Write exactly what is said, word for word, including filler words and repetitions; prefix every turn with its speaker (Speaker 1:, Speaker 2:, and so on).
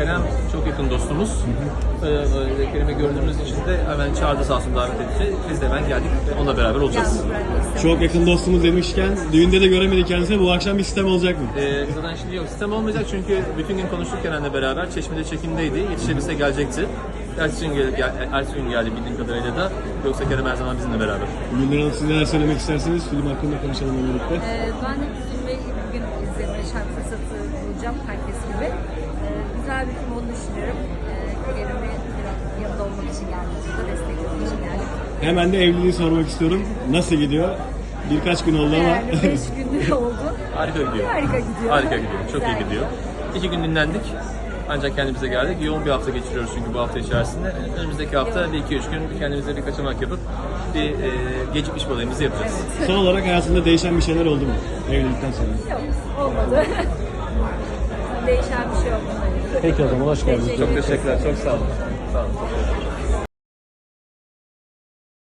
Speaker 1: Kerem çok yakın dostumuz. Ee, Kerem'i gördüğümüz için de hemen çağırdı, sağ olsun, davet etti. Biz de hemen geldik ve onunla beraber olacağız.
Speaker 2: Çok yakın dostumuz demişken düğünde de göremedik kendisini. Bu akşam bir sistem olacak mı?
Speaker 1: Ee, zaten şimdi yok, sistem olmayacak çünkü bütün gün konuştuk Kerem'le beraber. Çeşme'de çekimdeydi, yetişebilse gelecekti. Ertesi gün, gel, gel, ertesi gün geldi bildiğim kadarıyla da. Yoksa Kerem her zaman bizimle beraber.
Speaker 2: Gülden Hanım, siz neler söylemek istersiniz? Film hakkında konuşalım birlikte.
Speaker 3: Ee, ben de filmi bugün izlemeye şarkı fırsatı bulacağım herkes gibi. Ee, güzel bir film olduğunu düşünüyorum. Ee, Kerem'e yanında olmak için geldim. Burada desteklemek için geldim.
Speaker 2: Hemen de evliliği sormak istiyorum. Nasıl gidiyor? Birkaç gün oldu ama.
Speaker 3: Yani beş gün oldu.
Speaker 1: Harika gidiyor.
Speaker 3: Harika gidiyor.
Speaker 1: Harika gidiyor. Çok
Speaker 3: Güzel
Speaker 1: iyi gidiyor. İki gün dinlendik. Ancak kendimize geldik. Yoğun bir hafta geçiriyoruz çünkü bu hafta içerisinde. Önümüzdeki hafta bir iki üç gün kendimize bir kaçamak yapıp bir e, gecikmiş balayımızı yapacağız.
Speaker 2: Son olarak hayatında değişen bir şeyler oldu mu? Evlilikten sonra.
Speaker 3: Yok, olmadı. Değişen bir şey olmadı.
Speaker 2: Peki o zaman hoş geldiniz.
Speaker 1: Çok teşekkürler. Çok sağ olun. Sağ olun.